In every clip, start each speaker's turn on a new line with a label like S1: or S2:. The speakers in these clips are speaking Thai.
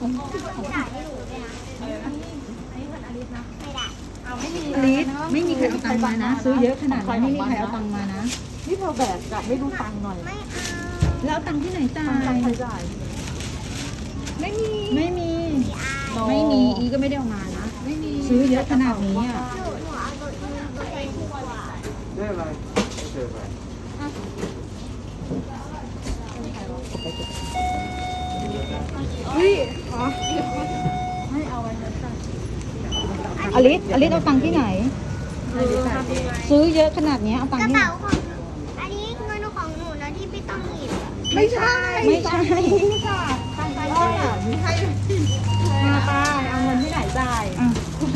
S1: จ่ายให้หนูเลยนะไม่ได้
S2: อลิสไม่มีใครเอาตังค์มานะซื้อเยอะขนาดนี้ไม่มีใครเอาตังค์มานะ
S3: นี่เธอแบกกะไม่ดูตังค์หน่อย
S1: ไม่เอา
S2: แล้วเอาตังค์ที่ไหนจ่า
S3: ใคร
S2: ย
S3: จ่าย
S2: ไม่มี
S1: ไม่เอา
S2: ไม่มีอีก็ไม่ได้เอามานะซื้อเยอะขนาดนี้อ่ะ
S1: หนูเอาตัวเองดีกว่า
S4: ได้อะไรไม่เจอไป
S2: อลิสเอาตังค์ที่ไหน ซื้อเยอะขนาดนี้เอาตัง
S1: ก
S2: ค์
S1: ระ
S2: ที่ไหน
S1: เป๋าของอันนี้เงินของหนูนะที่พี่ต้องหยิบ
S3: ไม่ใช่
S2: ไม่ใช่
S3: ค่ะทางไปอ่ะมีให้มาป้าเอาเงินที่ไหนจ่าย
S2: อ่ะ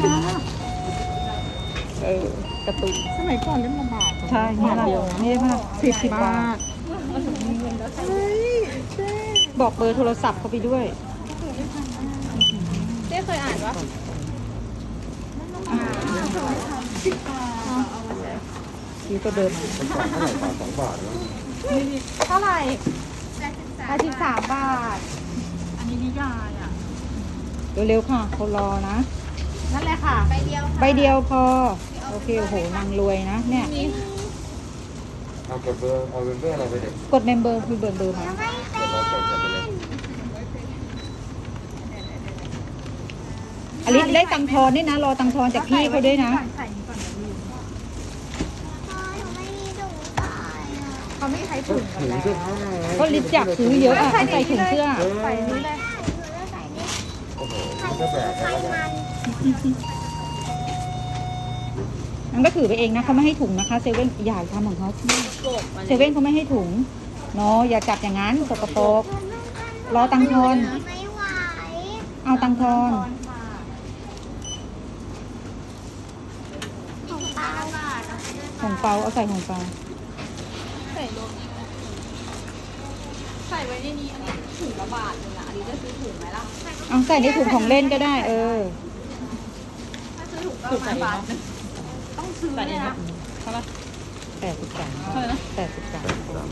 S3: กระตุกสมัยก่อนเล่นลำบาก
S2: ใช่
S3: บาทเดียว
S2: นี่มาก
S3: 10 บาท
S2: บอกเบอร์โทรศัพท์เขาไปด้วย
S3: เจ๊เคยอ่านวะ
S2: พี่ก็เดินมา
S4: มันต่างเท่าไหร่บาท2 บาทแล้ว
S3: เท่าไหร่
S2: 83 บาท
S3: อันนี้นิยายอ่ะ
S2: เร็วๆค่ะเขารอนะ
S3: นั่นแหละค่ะ
S2: ใบเดียวพอ โอเคโอ้โหนางรวยนะ เนี่ย
S4: เอากดเบอร์เอาเบอร์อะไรไปเด็ก
S2: กดเมมเบอร์คือเบอร์มา
S1: ไม่เป็
S4: เดี๋ยวน เรากดกันไปเลย
S2: อลิสได้ตังค์ทอนด้วยนะ รอตังค์ทอนจากพี่เขาด้วยนะ
S1: พ่อหนูไม่มีถุงใส่อะ
S3: เขาไม่ใช้ถุงกัน
S4: ถึง
S3: แล้ว
S4: เสื้อผ้าไง
S2: ก็ลิสอยากซื้อเยอะอะใส่ถุงเสื้อ
S3: ใส่นี้เลย
S1: ใส่นี่
S4: โอ้โหมันก็แบก
S1: ใคร
S4: แล้วกัน
S1: มัน
S2: มันก็ถือไปเองนะเขาไม่ให้ถุงนะคะเซเว่นอย่าทำของเขาเซเว่นเขาไม่ให้ถุงเนาะอย่าจับอย่างนั้นสกปรก รอตังค์ทอน
S1: ไม่ไหว
S2: เอาตังค์ทอน
S1: ของป้า
S2: ของเปาเอาใส่ของเปา
S3: ใส่ไว้ในนี้อันนี้ถุงละบาทนึงอ่ะอันนี้จะซื้อถุงไหมล่ะ
S2: เอาใส่ในถุงของเล่นก็ได้ เออ
S3: ถ้าซื้อถุงก็ประมาณบาทนึงต้องซื้อเนี่ยนะเท่าไหร่
S2: 83
S3: เท่าไหร่นะ
S2: 83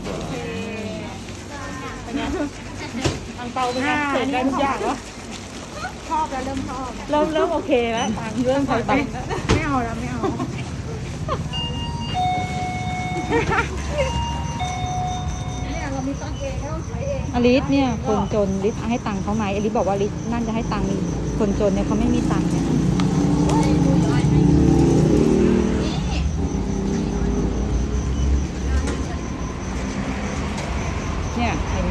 S3: เป็นไงอังเปาเป็นไงเสร็จได้ทุกอย่างวะชอบแล้วเริ่มชอบเริ่มโอเคแล้วตังค์เริ่มถอยไปไม่เอาแล้วไม่เอา
S2: อลิสเนี่ยคนจนลิสให้ตังค์เขาไหมอลิสบอกว่าลิสนั่นจะให้ตังค์คนจนเนี่ยเขาไม่มีตังค์เนี่ยเนี่ยเห็นไหม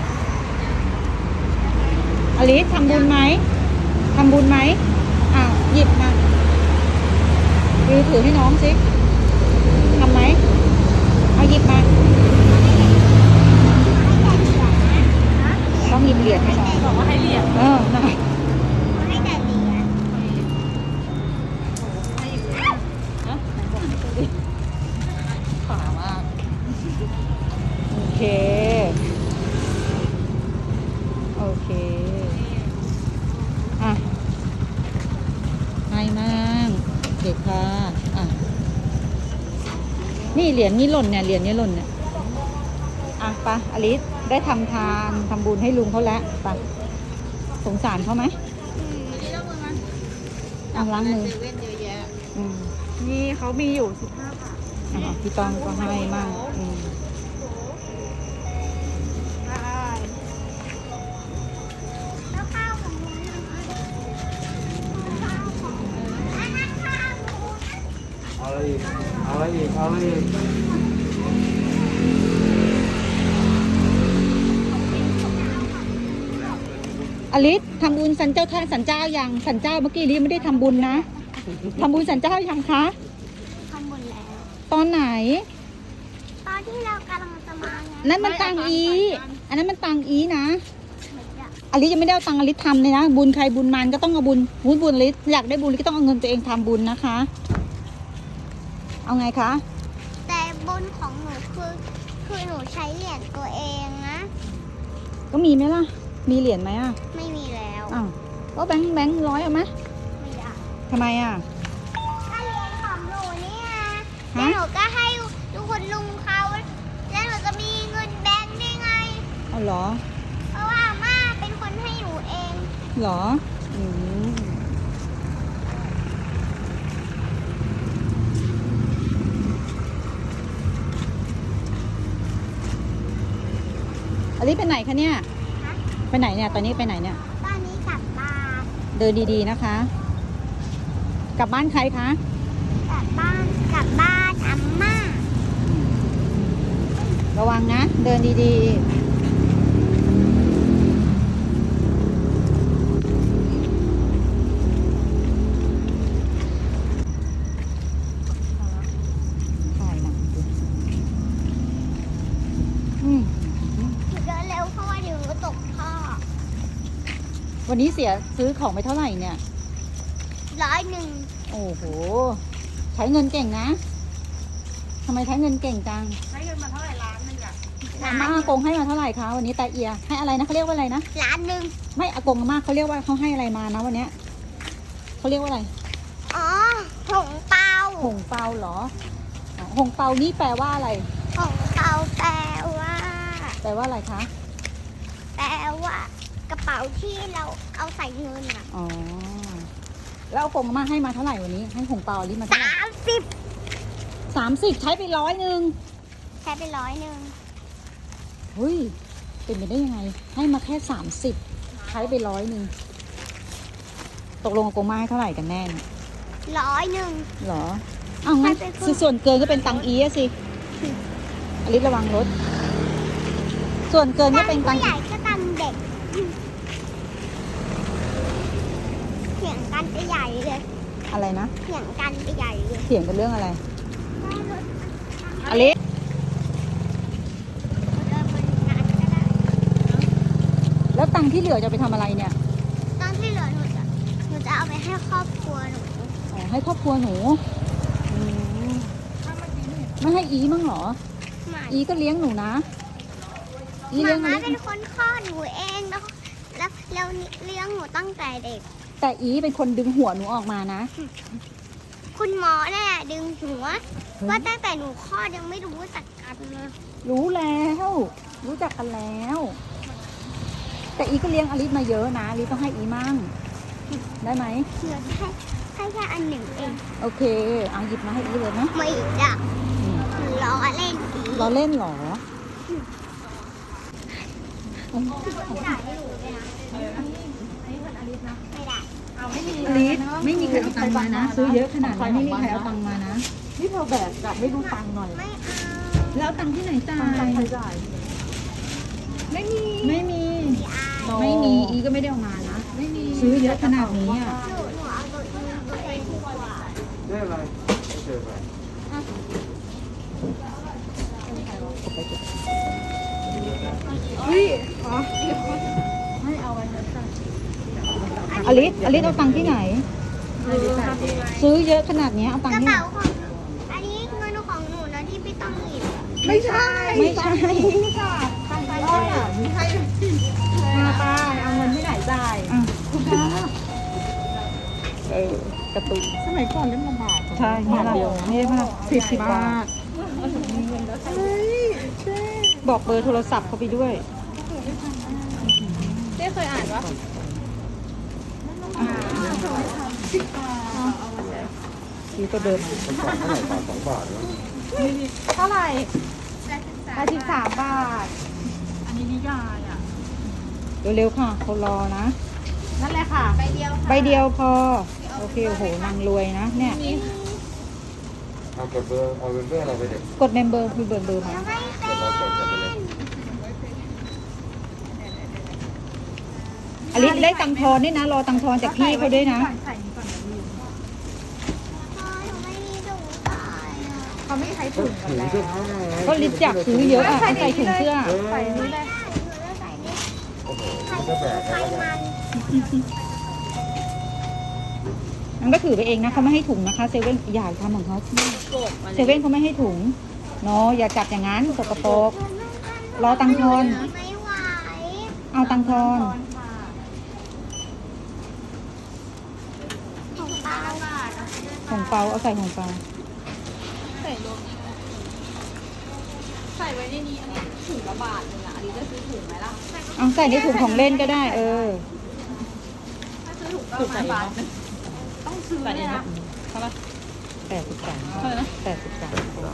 S2: อลิสทำบุญไหมทำบุญไหมอ้าวหยิบมาวิวถือให้น้องสิทำไหมเอาหยิบมาต้องหยิบเหรียญให้น้อง
S3: บอกว่าให้เหรียญ
S2: นะ
S1: ให้แต่เหรียญ
S3: ขามาก
S2: โอเค โอเค อ่ะให้มากเด็กค่ะอ่ะ นี่เหรียญนี้หล่นเนี่ย เหรียญนี้หล่นเนี่ย อ่ะไปะอลิสได้ทำทานทำบุญให้ลุงเขาแล้วไปะสงสารเขาไหมอ่ะล้างมือ
S3: เซเว่นเยอะแยะ
S2: อืม
S3: นี่เขามีอยู่15 บาท
S2: อ่ะพี่ต้องก็ให้มากอืม
S3: ได้
S1: แล้วข้าวของหนูนะข้าวของหนูอันนั้นข้าวหนูนะ
S4: เอาอะไรอีกเอาอะไรอีกเอาอะไรอีก
S2: อลิสทำบุญสันเจ้าท่านสันเจ้ายังสันเจ้าเมื่อกี้อลิสไม่ได้ทำบุญนะทำบุญสันเจ้ายังคะ
S1: ทำบุญแล้ว
S2: ตอนไหน
S1: ตอนที่เรากำลังจะมาไง
S2: นั่นมันตังอี อันนั้นมันตังอีนะ
S1: เหมือนจะ
S2: อลิสยังไม่ได้เอาตังอลิสทำเลยนะ บุญใครบุญมันก็ต้องเอาบุญอลิสอยากได้บุญอลิสก็ต้องเอาเงินตัวเองทำบุญนะคะ เอาไงคะ
S1: แต่บุญของหนูคือหนูใช้เหรียญตัวเองนะ
S2: ก็มีไหมล่ะ มีเหรียญไหมอ่ะ
S1: ไม่มีแล้ว
S2: อ้าวก็แบงค์ร้อยเอาไหม
S1: ไม่ได้
S2: ทำไมอ่ะ
S1: ก็เหรียญของหนูเนี่ย
S2: ฮะ
S1: แล้วหนูก็ให้ทุกคนลุงเขาแล้วหนูจะมีเงินแบงค์ได้ไง
S2: เอาเหรอ
S1: เพราะว่าอาม่าเป็นคนให้หนูเอง
S2: เหรออืมอลิไปไหนคะเนี่ย ไปไหนเนี่ย ตอนนี้ไปไหนเนี่ย
S1: ตอนนี้กลับบ้าน
S2: เดินดีๆนะคะ กลับบ้านใครคะ
S1: กลับบ้านอาม่า
S2: ระวังนะ เดินดีๆถ่ายหนังดูอืม
S1: เดินเร็วเพราะว่าเดี๋ยวตกท่อ
S2: วันนี้ซื้อของไปเท่าไหร่เนี่ย
S1: 100
S2: โอ้โห ใช้เงินเก่งนะ ทำไมใช้เงินเก่งจัง
S3: ใช้เงินมาเท่าไหร่ล้านหนึงอะ
S2: อาม่าอากงให้มาเท่าไหร่คะวันนี้แต่เอียให้อะไรนะเขาเรียกว่าอะไรนะ
S1: ล้านหนึ่ง
S2: ไม่อากงอาม่าเขาเรียกว่าเขาให้อะไรมานะวันเนี้ยเขาเรียกว่าอะไร
S1: อ๋อหงเปา
S2: หงเปาเหรออ๋อหงเปานี่แปลว่าอะไร
S1: หงเปาแปลว่า
S2: แปลว่าอะไรคะ
S1: แปลว่ากระเป๋าที่เราเอาใส่เงินอ่ะ
S2: อ๋อแล้วอากงอาม่าให้มาเท่าไหร่วันนี้ให้หงเปาอันนี้มาเท่าไหร่
S1: 30
S2: 30ใช้ไป100
S1: ใช้ไป100
S2: เฮ้ยเป็นไปได้ยังไง ให้มาแค่30ใช้ไป100ตกลงอากงอาม่าให้เท่าไหร่กันแน่เนี่ย
S1: 100
S2: เหรออ้าวงั้น
S1: ใช่ไปครึ่ง
S2: ส่วนเกินก็เป็นตังอีอะสิอลิสระวังรถ ส่วนเกินก็เป็นตั
S1: ผู้
S2: ง
S1: ใหญ่ก็ตังเด็กเถียงกันไปใหญ่เลย
S2: อะไรนะ
S1: เถียงกันไปใหญ่เลย
S2: เถียงกันเรื่องอะไรอลิส
S1: เดินบนงานก็ได้
S2: แล้วตังค์ที่เหลือจะไปทำอะไรเนี่ย
S1: ตอนที่เหลือหนูจะเอาไปให้ครอบครัวหนู
S2: อ๋อให้ครอบครัวหนูอืมไม่ให้อีมั้งเหรอ
S1: หมา
S2: อีก็เลี้ยงหนูนะ อีเลี้ยงอ
S1: ม้า
S2: ลิส
S1: เป็นคนคลอดหนูเองแล้วเลี้ยงหนูตั้งแต่เด็ก
S2: แต่อีเป็นคนดึงหัวหนูออกมานะ
S1: คุณหมอเนี่ยดึงหัวว่าตั้งแต่หนูคลอดยังไม่รู้จักกันเลย
S2: รู้แล้ว รู้จักกันแล้ว แต่อีก็เลี้ยงอลิสมาเยอะนะอลิสต้องให้อีมั่งได้ไหม
S1: เหลือให้แค่อันหนึ่งเอง
S2: โอเคเอาหยิบมาให้อีเลยนะ
S1: ไม่จ้ะล้อเล่นอีก
S2: เราเล่นเหรอ
S1: จ่ายให้หนูเลยนะไม่ได้
S3: เอาไม่มี
S2: อลิสไม่มีใครเอาตังค์มานะ ซื้อเยอะขนาดนี้ไม่มีใครเอาตังค์มานะ
S3: นี่เธอแบกกลับไม่ดูตังค์หน่อย
S1: ไม่เอา
S2: แล้วตังค์ที่ไหนจ่า
S3: ตังค์ใคร
S2: ย
S3: จ่ายไม่มี
S2: ไม่มี
S1: ไม่เอา
S2: ไม่มี อีก็ไม่ได้เอามานะ
S3: ไม่มี
S2: ซื้อเยอะขนาดนี้อ่ะ
S1: หนูเอาตัวเองดีกว่า
S4: ได้อะไรไม่เจออะไร
S3: เฮ้ยอ๋อ
S2: อลิสเอาตังค์ที่ไหน ซื้อเยอะขนาดนี้เอาตัง
S1: ก
S2: ค์
S1: ระ
S2: ที่ไหน
S1: เป๋าของอันนี้เงินของหนูนะที่พี่ต้องหยิบ
S3: ไม่ใช่
S2: ไม่ใช่
S3: ค่ะตังค์ใครจ่ายไม่ใช่มาป้าเอาเงินที่ไหนจ่าย
S2: อ่ะกระตุก
S3: สมัยก่อนเล่นลำบาก
S2: ใช่นี่ละนี่มาก10 บาท
S3: เฮ้ยเจ๊
S2: บอกเบอร์โทรศัพท์เขาไปด้วย
S3: เจ๊เคยอ่านวะ
S2: ซื้อตัวเดิม
S4: มันต่างเท่าไหร่บาท2 บาทวะ
S3: เท่าไหร่83 บาท อันนี้นิยายอ่ะ
S2: เร็วๆค่ะเขารอนะ
S3: นั่นแหละค่ะ
S2: ใบเดียวพอ โอเคโอ้โหนางรวยนะ เนี่ย
S4: เอากดเบอร์เอาเป็นเบอร์อะไรไปเด็ก
S2: กดเมมเบอร์มีเบอร์มา
S1: แล้วไม่เป็
S4: เดี๋ยวน เราจดกันไปเลย
S2: อลิสได้ตังค์ทอนด้วยนะ รอตังค์ทอนจากพี่เขาด้วยนะ
S3: ใส่นี่ก่อนนะ
S1: พ่อหนูไม่มีถุงใส่อะ
S3: เขาไม่ใช้
S4: ก็
S3: ถุงกัน
S4: ถือ
S3: แล้ว
S4: เสื้อผ้าไง
S2: ก็ลิสอยากซื้อเยอะอะเอาใส่ถุงเสื้อ
S3: ใส่นี่เลย
S1: หนูจะใส่นี่
S4: โอ้โห
S1: ใส่
S4: นี่ก็แบก
S1: ใส่
S4: แล้ว
S1: มัน
S2: มันก็ถือไปเองนะเขาไม่ให้ถุงนะคะ เซเว่นอย่าทำของเขาเซเว่นเขาไม่ให้ถุงเนาะอย่าจับอย่างนั้นสกปรก รอตังค์ทอน
S1: ไม่ไหว
S2: เอาตังค์ทอน
S1: ของเปล่า
S2: ของเปาเอาใส่ของเปา
S3: ใส่ไว้ในนี้อันนี้ถุงละบาทนึงอ่ะอันนี้จะซื้อถุงไหมล่ะ
S2: เอาใส่ในถุงของเล่นก็ได้ เออ
S3: ถูกประมาณบาทนึงต้องซื้อเลยนะเท่าไหร่
S2: 83
S3: เท่าไหร่นะ
S2: 83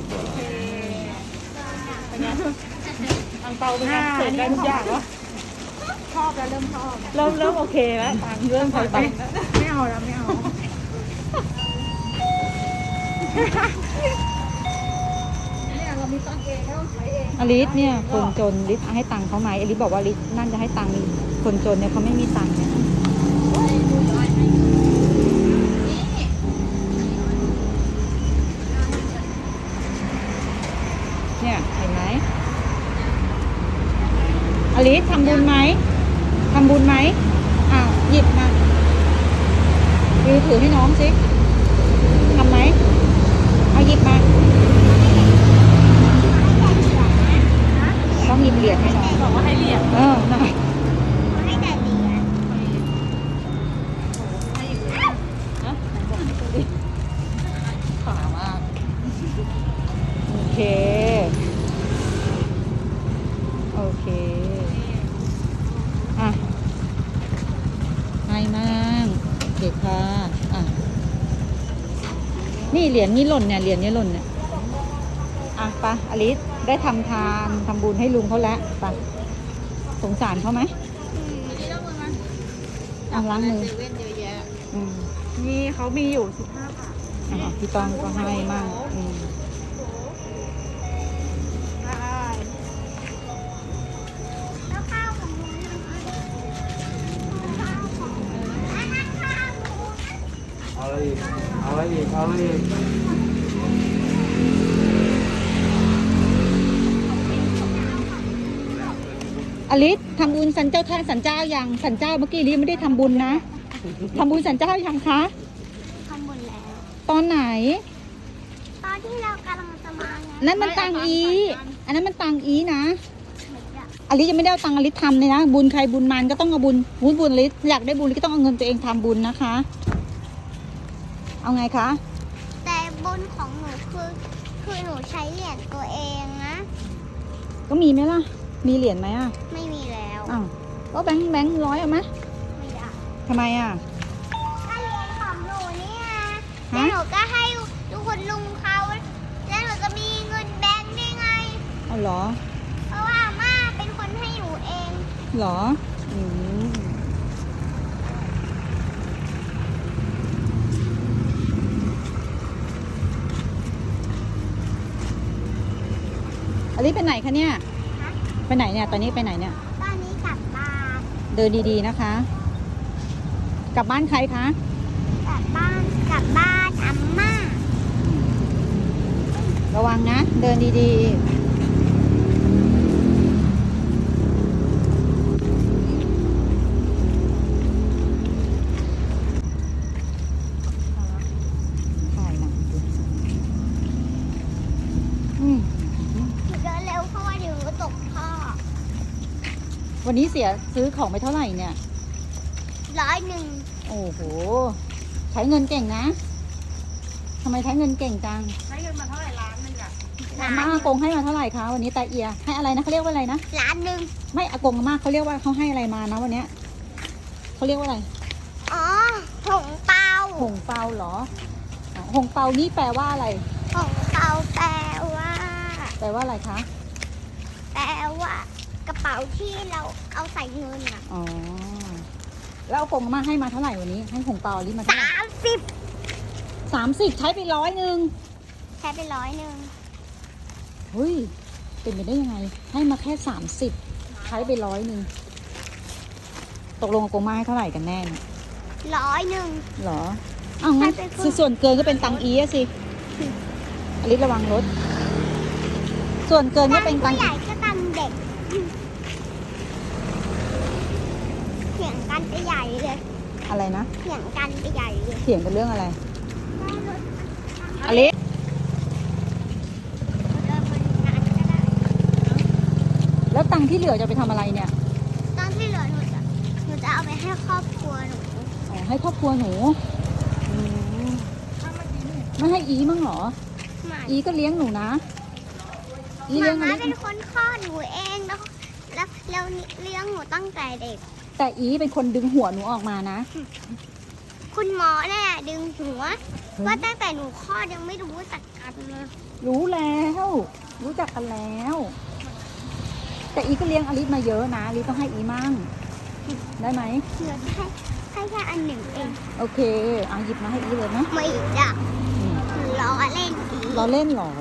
S3: เป็นไงอังเปาเป็นไงเสร็จได้ทุกอย่างวะ
S2: ชอบแล้วเริ่มชอบ
S3: เริ่มโอเคแล้วตังค์เริ่มถอยไป
S2: ไม่เอาแล้วไม่เอาเนี่ยเรามีตังค์เองไม่ต้องใช้เอง อลิสเนี่ยคนจนลิสให้ตังค์เขาไหมอลิสบอกว่าลิสนั่นจะให้ตังค์คนจนเนี่ยเขาไม่มีตังค์เนี่ยเนี่ยเห็นไหมอลิสทำบุญไหมทำบุญไหมอ้าวหยิบมาวิวถือให้น้องสิทำไหมเอาหยิบมาต้องหยิบเหรียญให้น้อง
S3: บอกว่าให้เหรียญ
S2: น่ะ
S1: ให้แต่เหรียญ
S3: นะไหนบอกให้ตัวดิขามาก
S2: โอเค โอเค อ่ะให้มากเด็กค่ะ อ่ะ นี่เหรียญนี้หล่นเนี่ย เหรียญนี้หล่นเนี่ย อ่ะไปะอลิสได้ทำทานทำบุญให้ลุงเขาแล้วไปสงสารเขาไหมอ่ะล้างมืออืม
S3: นี่เขามีอยู่15 บาท
S2: อ่ะพี่ต้องก็ให้มากอืม
S1: แล้วข้าวของหนูนะคะข้าวของอันนั้นข้าวหนู
S4: เอาอะไรอีกเอาอะไรอีกเอาอะไรอีก
S2: อลิสทำบุญสันเจ้าท่านสันเจ้ายังสันเจ้าเมื่อกี้อลิสไม่ได้ทำบุญนะทำบุญสันเจ้ายังคะ
S1: ทำบุญแล้ว
S2: ตอนไหน
S1: ตอนที่เรากำลังจะมาไง
S2: นั่นมันตังอีอันนั้นมันตังอีนะ
S1: เหมือนกับ
S2: อลิสยังไม่ได้เอาตังอลิสทำเลยนะบุญใครบุญมันก็ต้องเอาบุญอลิสอยากได้บุญก็ต้องเอาเงินตัวเองทำบุญนะคะ เอาไงคะ
S1: แต่บุญของหนูคือหนูใช้เหรียญตัวเองนะ
S2: ก็มีไหมล่ะ มีเหรียญไหมอ่ะ
S1: ไม่มีแล้ว
S2: อ้าวก็แบงค์ร้อยเอาไหม
S1: ไม่ได้
S2: ทำไมอ่ะ
S1: ก็เหรียญของหนูเนี่ย
S2: ฮะ
S1: แล้วหนูก็ให้ทุกคนลุงเขาแล้วหนูจะมีเงินแบงค์ได้ไง
S2: เอาเหรอ
S1: เพราะว่าอาม่าเป็นคนให้หนูเอง
S2: เหรออลิสไปไหนคะเนี่ย
S1: ฮะ
S2: ไปไหนเนี่ย ตอนนี้ไปไหนเนี่ย
S1: ตอนนี้กลับบ้าน
S2: เดินดีๆนะคะ กลับบ้านใครคะ
S1: กลับบ้านอาม่า
S2: ระวังนะ เดินดีๆถ่ายหนังดิอืม
S1: หนูเดินเร็วเพราะว่าเดี๋ยวหนูตกท่อ
S2: วันนี้ซื้อของไปเท่าไหร่เนี่ย
S1: 100
S2: โอ้โห ใช้เงินเก่งนะ ทำไมใช้เงินเก่งจัง
S3: ใช้เงินมาเท่าไหร่ล้านหนึงอ่ะ
S2: อาม่าอากงให้มาเท่าไหร่คะวันนี้ตาเอีย ให้อะไรนะเขาเรียกว่าอะไรนะ
S1: ล้านหนึ่ง
S2: ไม่อากงอาม่าเขาเรียกว่าเขาให้อะไรมานะวันเนี้ยเขาเรียกว่าอะไร
S1: อ๋อหงเปา
S2: หงเปาเหรออ๋อหงเปานี่แปลว่าอะไร
S1: หงเปาแปลว่า
S2: แปลว่าอะไรคะ
S1: แปลว่ากระเป๋าที่เราเอาใส่เงินอ่ะ
S2: อ๋อ แล้วอากงอาม่าให้มาเท่าไหร่วันนี้ ให้หงเปาลิมาเท่าไหร่
S1: 30
S2: 30 ใช้ไป100
S1: ใช้ไป100
S2: เฮ้ย เป็นไปได้ยังไง ให้มาแค่30 ใช้ไป100ตกลงอากงอาม่าให้เท่าไหร่กันแน่เนี่ย
S1: 100
S2: เหรอ อ้าวงั้น
S1: ให้ไปครึ่ง
S2: ส่วนเกินก็เป็นตังอีอะสิอลิสระวังรถ ส่วนเกินก็เป็นตั
S1: ผู้
S2: ง
S1: ใหญ่ก็ตังเด็กเถียงกันไปใหญ่เลย
S2: อะไรนะ
S1: เถียงกันไปใหญ่เลย
S2: เถียงกันเรื่องอะไร อลิส
S1: เดินบนงานก็ได้
S2: แล้วตังค์ที่เหลือจะไปทำอะไรเนี่ย
S1: ตอนที่เหลือหนูจะเอาไปให้ครอบครัวหนู
S2: อ๋อ ให้ครอบครัวหนูอืมไม่ให้อีมั้งเหรอ
S1: หมา
S2: อีก็เลี้ยงหนูนะ อีเลี้ยงอ
S1: ม้า
S2: ลิส
S1: เป็นคนคลอดหนูเองแล้วเลี้ยงหนูตั้งแต่เด็ก
S2: แต่อีเป็นคนดึงหัวหนูออกมานะ
S1: คุณหมอเนี่ยดึงหัวว่าตั้งแต่หนูคลอดยังไม่รู้จักกันเลย
S2: รู้แล้ว รู้จักกันแล้ว แต่อีก็เลี้ยงอลิสมาเยอะนะอลิสต้องให้อีมั่งได้ไหม
S1: เหลือให้แค่อันหนึ่งเอง
S2: โอเคเอาหยิบมาให้อีเลยไหม
S1: ไม่จ้ะล้อเล่นอีก
S2: เราเล่นเหรอ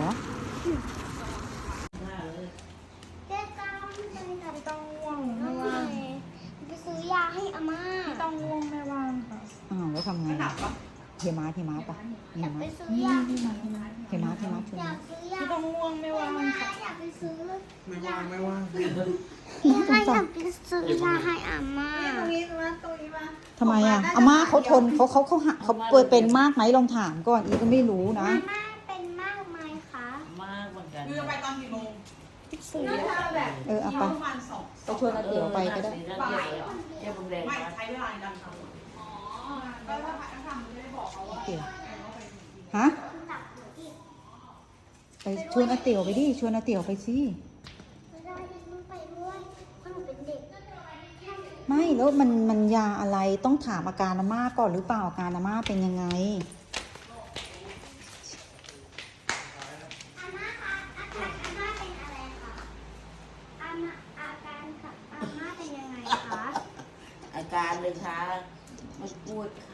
S1: เจ๊ก้าวไม่เป็นไร
S3: ไม่ต้องง่วง
S1: น้
S3: ไม่
S1: อง
S3: ว่าง
S1: เมย์ไปซื้อยาให้อาม่า
S3: ไม่ต้องง่วงไม่ว่างค่ะ
S2: อ้าวแล้วทำไงเทมาปะเท
S1: อ
S2: มาย
S1: าก
S2: มา
S1: ไปซื้อยา
S2: เทมาชวน
S1: อยาก
S2: มา
S1: ซื้อยา
S3: ไม่ต้องง่วงไม่ว่างค่ะ
S1: อยากไปซื้อ
S4: ไม่ว่างไม่ว่าง
S1: อยากไปซื้อยาให้อาม่า
S2: ทำไมอ่ะอาม่าเขาทนเขาเปิดเป็นมากไหมลองถามก่อนอีก็ไม่รู้นะ
S1: อาม่าเป็นมากไหมคะ
S5: มากเหมือนกัน
S3: คือไปตอนกี่โมง
S1: ซื้อ
S2: เอาไป
S3: ประมาณ2
S2: ไปชวนอาเตี๋ยวไปก็ได้
S5: เดี๋ยวผมแดง
S3: ไม่
S5: มา
S3: ใช้เวลาในการทำก็ถ้าพักทำไม่ได้บอกเขาว่า
S2: เตี๋ยวฮะไปชวนอาเตี๋ยวไปดิชวนอาเตี๋ยวไปสิ
S1: ไม่ได้มึงไปด้วยเพราะหนูเป็นเด็ก
S2: ไม่แล้วมันยาอะไรต้องถามอาการอาม่าก่อนหรือเปล่าอาการอาม่าเป็นยังไง
S1: อาม่าคะอาการอาม่าเป็นอะไรคะอาการกับอาม่าเป็นยังไงคะ
S5: อาการเลยค่ะมันปวดขา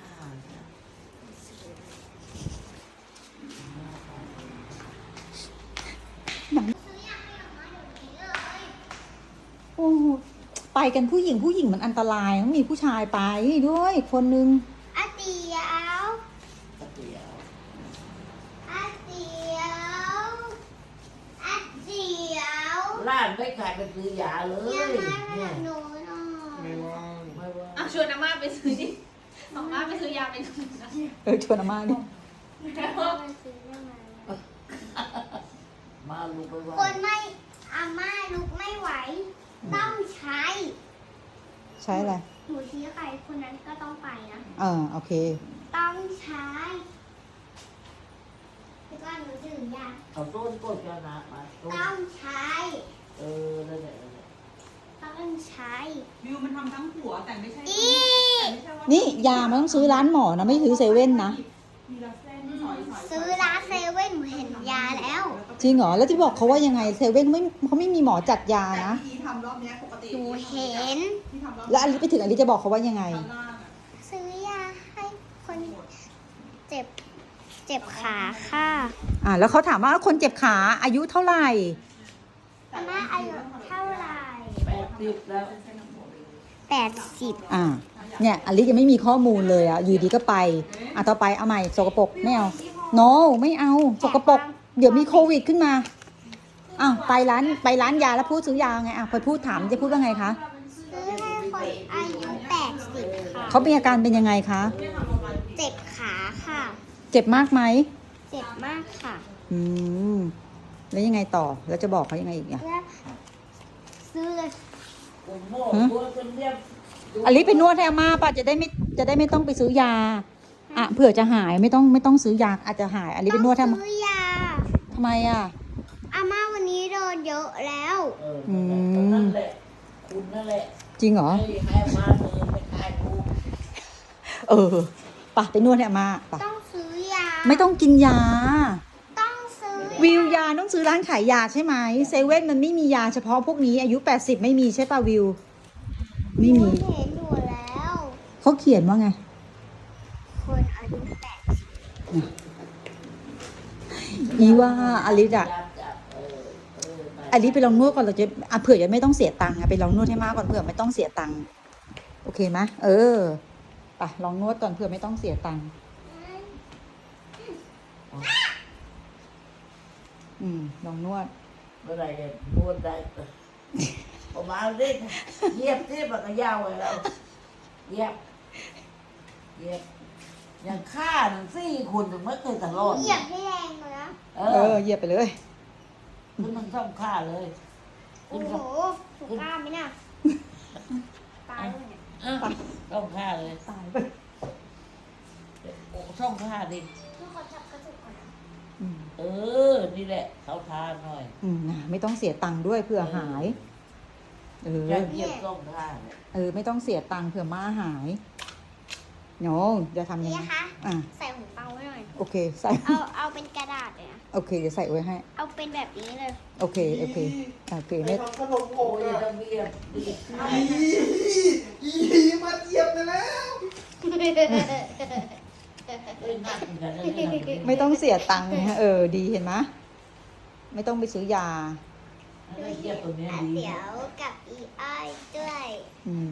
S2: โอ้โหไปกันผู้หญิงมันอันตรายต้องมีผู้ชายไปด้วยคนนึง
S1: อาเตียว
S5: เดี๋ยว
S1: อาเตียวอาเตียว
S5: ร้านไม่ขายไปซื้อยาเลย
S1: ยังไงไป
S5: เนี่
S1: กั
S5: ย
S1: บหนูหน่อย
S4: ไม่ว่าง
S5: ไม่ว่า
S3: อ่ะชวนอาม่าไปซื้อดิอาม่าไปซื้อยาไปดูนะ
S2: ชวนอาม่าดิ
S1: ไปซื้อได้ไหม
S5: มาลูกไปว่า
S1: คนไม่อาม่าลุกไม่ไหว ต้องใช้
S2: ใช้อะไร
S1: หนูชี้ใครคนนั้นก็ต้องไปนะ
S2: โอเค
S1: ต้องใช้แล้วก็หนูดื่มยา
S5: เอาต้นก้นกันนะมาต้น
S1: ต้องใช้
S5: นั่นแหละ
S1: ต้องใช้
S3: วิวมันทำทั้งหัวแต่ไม่ใช่
S1: อี
S3: ไม่ใช่ว่า
S2: นี่ยามันต้องซื้อร้านหมอนะไม่ซื้อเซเว่นนะ
S3: มีละเส้นสอยๆ
S1: ซื้อร้านเซเว่นหนูเห็นยาแล้ว
S2: จริงเหรอแล้วที่บอกเขาว่ายังไงเซเว่นเขาไม่มีหมอจัดยา
S3: แต่
S2: นะ
S3: ที่ทำรอบเนี้ยปกติ
S1: หนูเห็น
S3: ที่ทำรอบ
S2: แล้วอลิไปถึงอลิจะบอกเขาว่ายังไง
S3: ข้างล่างอะ
S1: ซื้อยาให้คนเจ็บขาค่ะ
S2: แล้วเขาถามว่าคนเจ็บขาอายุเท่าไหร่
S1: อาม่าอายุเท่าไหร่
S5: 80แล้ว
S1: 80
S2: เนี่ยอลิยังไม่มีข้อมูลเลยอยู่ดีก็ไปต่อไปเอาใหม่สกปรกไม่เอา no ไม่เอาสกปรกเดี๋ยวมีโควิดขึ้นมาไปร้านยาแล้วพูดซื้อยาไงพอพูดถามจะพูดว่าไงคะ
S1: ซื้อให้คนอายุ80ค่ะ
S2: เขามีอาการเป็นยังไงคะ
S1: เจ็บขาค่ะ
S2: เจ็บมากไหม
S1: เจ็บมากค่ะ
S2: แล้วยังไงต่อแล้วจะบอกเขายังไงอีกอ่ะ
S1: แล้วซื้อเลย
S5: ผมโม่ตัวจนเรียบ
S2: อลิไปนวดให้อาม่าป่ะจะได้ไม่ต้องไปซื้อยาเผื่อจะหายไม่ต้องซื้อยาอาจจะหายอลิไปนวดให้อาม่า
S1: ซื้อยา
S2: ทำไมอ่ะ
S1: อาม่าวันนี้โดนเยอะแล้ว
S5: นั่นแหละคุณนั่นแหละ
S2: จริงเหรอ
S5: ให้มาไม่ขายกู
S2: ป่ะไปนวดให้อาม่าป่ะ
S1: ต้องซื้อยา
S2: ไม่ต้องกินยา
S1: ต้องซื้อ
S2: วิวยาต้องซื้อร้านขายยาใช่ไหมเซเว่นมันไม่มียาเฉพาะพวกนี้อายุ 80 ไม่มีใช่ป่ะวิว ไม่
S1: หนู
S2: มี
S1: เห็นอยู่แล้ว
S2: เขาเขียนว่าไง
S1: คนอายุ
S2: อีว่าอลิอะอลิไปลองนวดก่อนเราจะเผื่อจะไม่ต้องเสียตังค์ไปลองนวดให้มากก่อนเผื่อไม่ต้องเสียตังค์โอเคไหมไปลองนวดก่อนเผื่อไม่ต้องเสียตังค์ลองนวด
S5: เมื่อไหร่จะนวดได้ผมมาเล่นเยียบที่มันก็ยาวเลยเราเยียบอย่างฆ่าหนึ่ง4 คนถึงไม่เคยตลอด
S1: เหยียบให้แรงเลยนะ
S2: เหยียบไปเลย
S5: คุณต้องซ่อมฆ่าเลย
S1: โอ้โหถูกกล้าไหมน่ะตายเลยเนี่ย
S5: ซ่อมฆ่าเลย
S2: ตายไป
S5: ซ่อมฆ่าดิ
S1: ทุกคนจับกระจุกก่อนนะ
S5: นี่แหละเขาทานหน่อย
S2: ไม่ต้องเสียตังค์ด้วยเผื่อหายเออ
S5: จะเหยียบส่งท่าเนี่ย
S2: ไม่ต้องเสียตังค์เผื่อม่าหายโนจะทำยัง
S1: นี่
S2: ไง
S1: นะคะ
S2: อ่ะ
S1: ใส่หูฟังไว้หน่อย
S2: โอเค ใส่
S1: เอาเป็นกระดาษเลยนะ
S2: โอเค เดี๋ยวใส่ไว้ให้
S1: เอาเป็นแบบนี้เลย
S2: โอเค โอเค โอเค
S4: ไป
S2: ไม่
S4: ทำขนมโอ
S5: โอ้
S4: ก
S5: ย
S4: อะ
S5: จะเหยียบดีดข้าว
S4: มาเหยียบไปแล้ว
S5: เอ้ยนักเหมือนกันนะเนี่ย
S2: ไม่ต้องเสียตังค์นะดีเห็นไหมไม่ต้องไปซื้อยา
S5: แล้วเหยียบตัวเนี้ยดี
S1: เดี๋ยวกับอีอ้อยด้วย
S2: อืม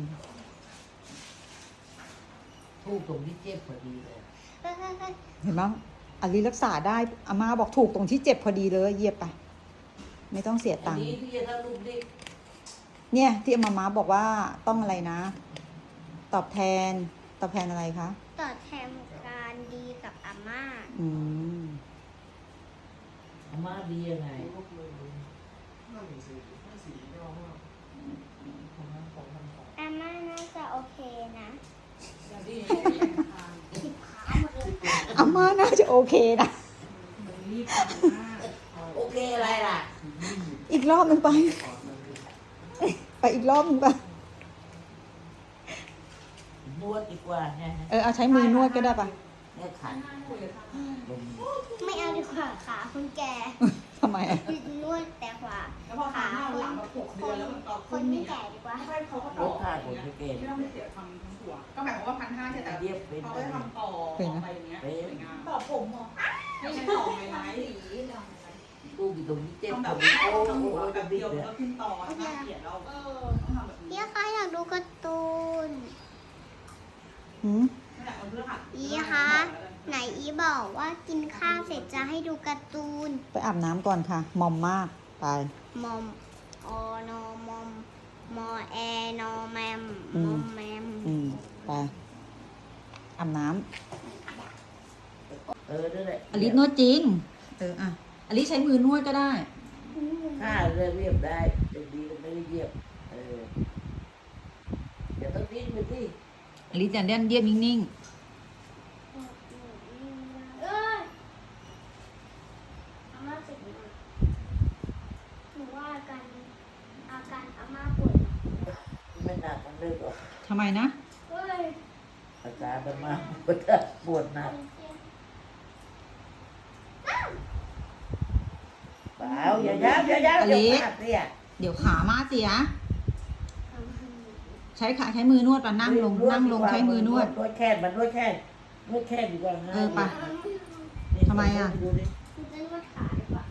S5: ทูกตรงที่เจ็บพอดีเลย
S2: เห็นไหมอลิรักษาได้อาม่าบอกถูกตรงที่เจ็บพอดีเลยเหยียบไป ไม่ต้องเสีย
S5: อัน
S2: ตังค์
S5: นี้ที่จะถ้าลูกเด็ก
S2: เนี่ย ที่อามาบอกว่าต้องอะไรนะ ตอบแทนอะไรคะ
S1: ตอบแทนการดีกับอาม่า
S2: อืม
S5: อาม่าดียังไง
S1: อาม่าน่าจะโอเคนะ
S2: อาม่าน่าจะโอเคนะ
S5: โอเคอะไรล่ะ
S2: อีกรอบหนึ่งไป ไปอีกรอบหนึ่งไป
S5: นวดดีกว่าไง
S2: เอาใช้มือนวดก็ได้ปะ
S5: เนี่ยขันลง
S1: ไม่เอาดีกว่าขาคุณแก
S2: ทำไมอะ
S1: นวดแต่ขวา
S3: แล้วพอทานข้าวหลังมา6 เดือนแล้วมันก็
S1: คนไม่แก่ดีกว่า
S3: ให้เขาก็
S5: ล
S3: ต่อ
S5: ดค่าผลสเกต
S3: ที่เราไม่เสียทำทั้งตัวก็หมายความว่า1,500ใช่แต่
S5: เย็บเป็น
S3: เขา
S5: ไป
S3: ไปทำต่อไปอย่างเงี้ยสวยงาม
S6: ต่อผมเหรอ
S3: ไม่ใช่ต่อไม้ไม้
S6: สีเหรอ
S5: ตู้อยู่ตรงนี้เจ็บ
S3: ทำแบ
S5: ตร
S3: บ
S5: งนี้
S3: โอ้
S5: โอ้
S3: โห
S5: โห
S3: แบ
S5: จะ
S3: บ
S5: ดิ
S3: เดียว
S5: บเลย
S3: แล้วขึ้นต่อน่าเกลียดเราต้องทำแบบนี้
S1: เดี๋ยวใครอยากดูการ์ตูน
S2: หืม
S3: นั่นแหละมันเพื่อหัด
S1: อีคะไหนอีบอกว่ากินข้าวเสร็จจะให้ดูการ์ตูน
S2: ไปอาบน้ำก่อนค่ะ มอมมาก ไป
S1: มอมอนอมอมมอแอนอแมม
S2: อื
S1: ม
S2: ม
S1: อมแมม
S2: ไป อาบน้
S5: นั่นแหละ
S2: ำอลิสนวดจริง อลิสใช้มือนวดก็ได้
S5: ค่าเรียบได้แต่ดีก็ไม่ได้เยียบอย่าต้องดิ้นไปสิ
S2: อลิสจะเล่นเยียบนิ่ง
S1: เอ้ยอาม่าเจ็บมากหนูว่าอาการอาม่าปวด
S5: ไม่หนักมันเลยหรอก
S2: ๆทำไมนะ
S1: เฮ้ย
S5: อาการมันมาปวดหนักเปล่าอย่าย้ำอย่าพลาดเนี่ย
S2: เดี๋ยวขามาเสีย ใช้มือนวดปะนั่งลงใช้มือนวด
S5: นวดแค่มันนวดแค่ดีกว่าง่าย
S2: ไป ทำไมอะ
S5: ดูดิ
S1: คุณจะนวดขาดีกว่า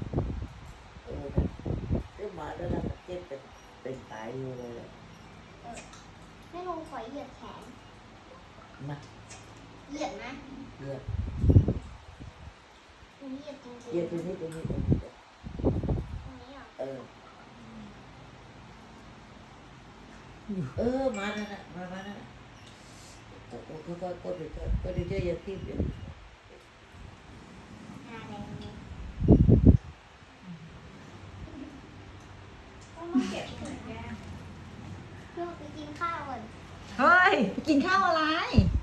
S5: เรื่องมาแล้วนะเจ็บเป็นตายอยู่เลย
S1: ให้ลงขอเหยียบแขน
S5: มา
S1: เหยียบนะ
S5: เลือด
S1: ตรงนี้เหยียบจริงๆ
S5: เย็บตรงนี้
S1: ตรงนี้เหรอ
S5: มานั่นน่ะมานั่นน่ะก็ก็เดี๋ยวอย่าทิ่มเดี๋ยว
S1: อะไรเนี่ยต้องมาเก็บเหมือนแกเพื่อไปกินข้าวก่อน
S2: เฮ้ย กินข้าวอะไร